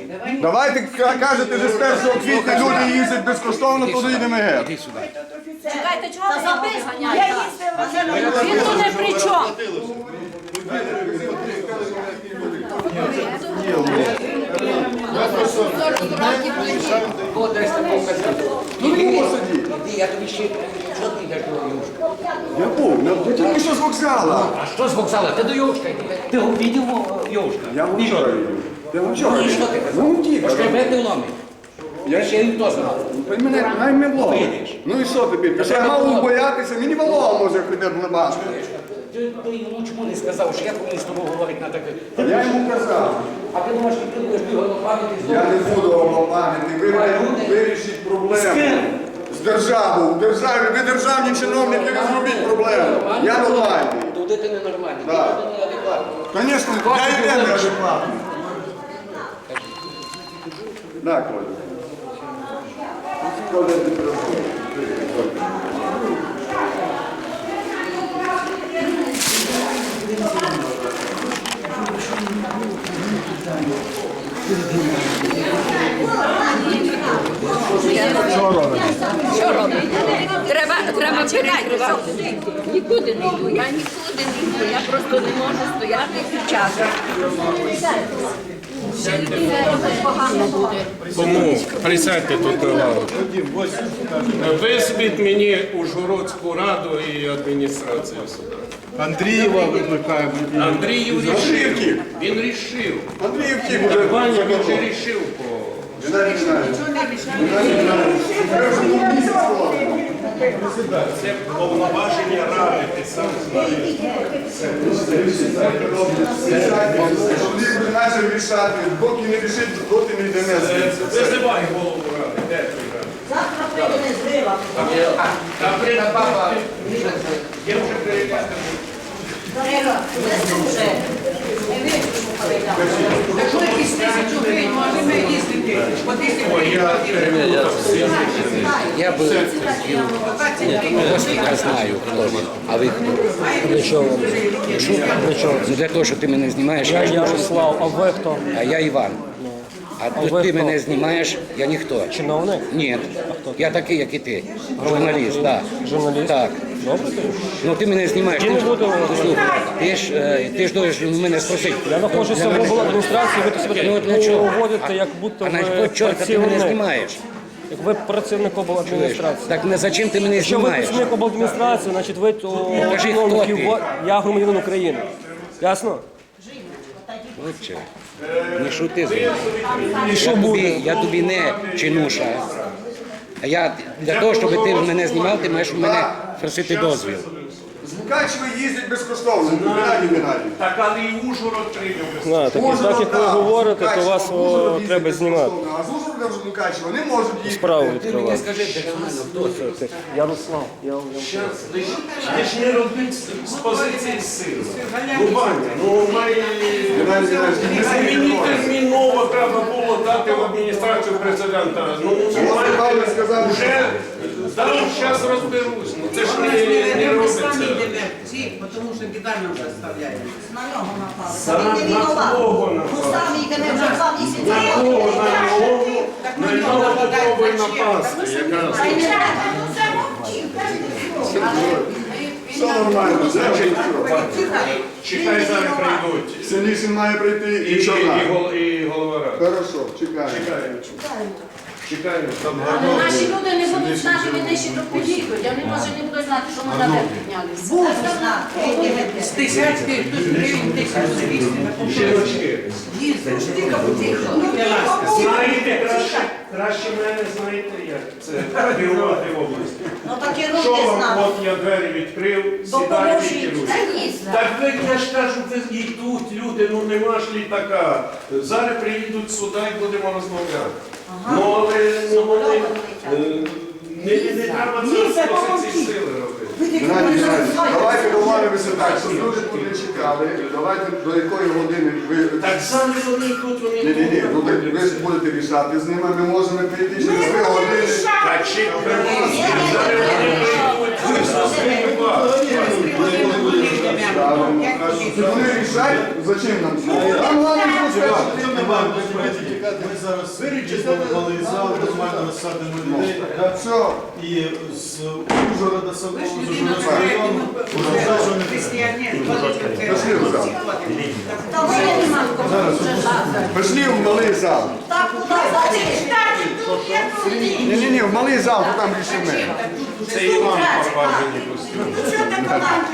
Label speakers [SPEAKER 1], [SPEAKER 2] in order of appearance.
[SPEAKER 1] Давайте кажете, що з 1 квітня люди їздять безкоштовно, то доїдемо геть.
[SPEAKER 2] Іди сюди.
[SPEAKER 3] Чекайте, чого ви його виганяєте? Він тут не при чому.
[SPEAKER 2] Іди, я тобі ще... Що ти йдеш до Юшка?
[SPEAKER 1] Я був, я тільки що з вокзала.
[SPEAKER 2] А що з вокзала? Ти до Юшка йди. Ти увидів Юшка?
[SPEAKER 1] Я був вчора. Я був вчора.
[SPEAKER 2] Ну і що ти казав?
[SPEAKER 1] Ну, тільки.
[SPEAKER 2] Пошкребети вломить. Я ще й то знав.
[SPEAKER 1] Мене най не влог. Ну і що тобі? Я мав боятися, мені волога може прийде на башку.
[SPEAKER 2] Ти йому чому не сказав, що я повинен з тобою говорити на таке?
[SPEAKER 1] Я йому казав.
[SPEAKER 2] А ти думаєш, що ти будеш голопам'яти з
[SPEAKER 1] Я не буду голопам'ятник, ви вирішіть проблему. З державою. Ви державні чиновники, ви зробіть проблему. Я нормальний.
[SPEAKER 2] Туди ти ненормальний, ти
[SPEAKER 1] Так.
[SPEAKER 2] туди неадекватний.
[SPEAKER 1] Звісно, я і не адекватний. Так, Коля. Коля, ти приходиш.
[SPEAKER 3] Що робити? Треба перекривати. Нікуди не йду, я нікуди не йду. Я просто не можу стояти під часом. Ще людина погано буде.
[SPEAKER 4] Тому присядьте тут на лаву. Визвіть мені Ужгородську раду і адміністрацію сюди.
[SPEAKER 1] Андрієва викликаємо.
[SPEAKER 4] Андріїв рішив. Він рішив.
[SPEAKER 1] Андріївки буде.
[SPEAKER 4] Ваня він же рішив по...
[SPEAKER 1] Геннадій Геннадійович.
[SPEAKER 4] Це повноваження ради, ти сам знаєш.
[SPEAKER 1] Вони будуть наче рішати. Доки не рішить, доти не йде не.
[SPEAKER 4] Визивай голову ради. Де твій ради?
[SPEAKER 5] Завтра прийде зрива.
[SPEAKER 2] Та баба,
[SPEAKER 4] Я вже перевіряю.
[SPEAKER 5] Зрива, це вже. Не вирішимо передати.
[SPEAKER 6] Якщо якісь 1000 гривень, можемо їздити. По 1000 гривень.
[SPEAKER 2] я би... Я знаю, хто він. А ви хто?
[SPEAKER 7] Для чого? Для чого?
[SPEAKER 2] Ну, для того, що ти мене знімаєш,
[SPEAKER 7] Я
[SPEAKER 2] я
[SPEAKER 7] Ярослав, а ви хто?
[SPEAKER 2] а я Іван. А тут
[SPEAKER 7] ви
[SPEAKER 2] ти
[SPEAKER 7] хто?
[SPEAKER 2] мене знімаєш, я ніхто.
[SPEAKER 7] Чиновник?
[SPEAKER 2] Ні. Я такий, як і ти. Журналіст, так.
[SPEAKER 7] Журналіст?
[SPEAKER 2] Так.
[SPEAKER 7] Добре тоді.
[SPEAKER 2] Ну ти мене знімаєш.
[SPEAKER 7] Я не буду.
[SPEAKER 2] Слухай, ти ж должен мене спросити.
[SPEAKER 7] Я знаходжуся в обладміністрації, ви тут
[SPEAKER 2] Ну,
[SPEAKER 7] себе
[SPEAKER 2] для чого?
[SPEAKER 7] поводите, як будто
[SPEAKER 2] А на
[SPEAKER 7] ви
[SPEAKER 2] що чорта ти мене
[SPEAKER 7] працівник.
[SPEAKER 2] знімаєш?
[SPEAKER 7] Як ви працівник обладміністрації.
[SPEAKER 2] Так зачем ти мене
[SPEAKER 7] Якщо ви
[SPEAKER 2] знімаєш?
[SPEAKER 7] працівник обладміністрації, значить ви то
[SPEAKER 2] Кажи,
[SPEAKER 7] чиновників,
[SPEAKER 2] хто ти?
[SPEAKER 7] я громадянин України. Ясно?
[SPEAKER 2] Отче, не шути з мною.
[SPEAKER 7] І що буде?
[SPEAKER 2] Я тобі не чинуша. А я для того, щоб ти мене знімав, ти маєш у мене просити дозвіл.
[SPEAKER 1] З Мукачева їздять безкоштовно. Геннадій Геннадійович.
[SPEAKER 4] Так, але і Ужгород прийняв.
[SPEAKER 7] Так як ви говорите, то вас треба знімати.
[SPEAKER 1] А з Ужгорода вже Мукачева не можуть їхати.
[SPEAKER 7] Справу
[SPEAKER 2] Ти мені
[SPEAKER 7] відкривати.
[SPEAKER 2] скажи, хто це?
[SPEAKER 7] Ярослав.
[SPEAKER 4] Ти ж не робить з позиції сили. Ну, Ваня, ну має...
[SPEAKER 1] Геннадій Геннадійович,
[SPEAKER 4] А мені терміново треба було дати в адміністрацію президента. Ну,
[SPEAKER 1] Павло сказав,
[SPEAKER 4] вже дав, зараз розберусь. Ну, це ж не
[SPEAKER 6] Ми
[SPEAKER 4] робиться.
[SPEAKER 6] самі йдемо всі, тому що біда нам заставляє.
[SPEAKER 5] На нього напали.
[SPEAKER 4] Сам
[SPEAKER 5] Він не
[SPEAKER 4] на
[SPEAKER 5] винуват.
[SPEAKER 4] кого
[SPEAKER 5] Ну
[SPEAKER 4] напали?
[SPEAKER 5] самі йдемо вже 2 місяці.
[SPEAKER 4] На кого? На нього?
[SPEAKER 6] Так
[SPEAKER 4] На
[SPEAKER 6] на нього
[SPEAKER 4] нього
[SPEAKER 6] нападають,
[SPEAKER 4] попробуй
[SPEAKER 6] на чим?
[SPEAKER 4] напасти. Якраз.
[SPEAKER 5] Та й не треба, ну це мовчи.
[SPEAKER 1] все нормально.
[SPEAKER 4] Значить, чекай, зараз прийдуть.
[SPEAKER 1] Синішин має прийти і чорна.
[SPEAKER 4] І голова ради.
[SPEAKER 1] Хорошо, чекаємо.
[SPEAKER 4] Чекаємо. Там
[SPEAKER 3] Але наші люди не будуть знати, вони ще тут підійдуть. Вони може не будуть знати, що ми наверх піднялися.
[SPEAKER 5] Був знак.
[SPEAKER 6] З десятки, тут гривень 1200 на
[SPEAKER 4] жіночки.
[SPEAKER 6] їздить. Тільки потихо.
[SPEAKER 4] Знаєте, краще мене знаєте, як це керувати в області.
[SPEAKER 5] Ну так і
[SPEAKER 4] Що
[SPEAKER 5] руки
[SPEAKER 4] вам,
[SPEAKER 5] знав.
[SPEAKER 4] от я двері відкрив, сідайте і
[SPEAKER 5] Допоможіть.
[SPEAKER 4] керуйте.
[SPEAKER 5] Та ні, знав.
[SPEAKER 4] Так ви, я ж кажу, ви йдуть люди, ну нема ж літака. Зараз приїдуть сюди і будемо розмовляти. Ну, але не треба це з позиції сили робити.
[SPEAKER 1] Геннадій Геннадійович, давайте домовимося так, щоб люди тут не чекали. Давайте до якої години ви...
[SPEAKER 4] Так самі вони тут, вони
[SPEAKER 1] Ні,
[SPEAKER 4] тут.
[SPEAKER 1] ну ви ж будете рішати з ними, ми можемо прийти через 3 години.
[SPEAKER 4] Так чи зараз вони прийдуть, ви зустрінете вас.
[SPEAKER 1] Правильно. Вони рішають, зачем нам це? Там головне, що скажуть.
[SPEAKER 8] Ми зараз вирішимо малий зал, нормально розсадимо людей.
[SPEAKER 1] Так, все.
[SPEAKER 8] І з Ужгорода самого, з
[SPEAKER 6] Людина
[SPEAKER 8] Ужгородського району,
[SPEAKER 6] стоїть, християнин,
[SPEAKER 1] Пошли в зал.
[SPEAKER 5] Та ви нема кого.
[SPEAKER 1] Пішли в малий зал.
[SPEAKER 5] Так, куди зайти?
[SPEAKER 1] Ні-ні-ні, в малий зал, то там рішимо.
[SPEAKER 4] Це Іван Папажені костюм.
[SPEAKER 5] Що ти подав?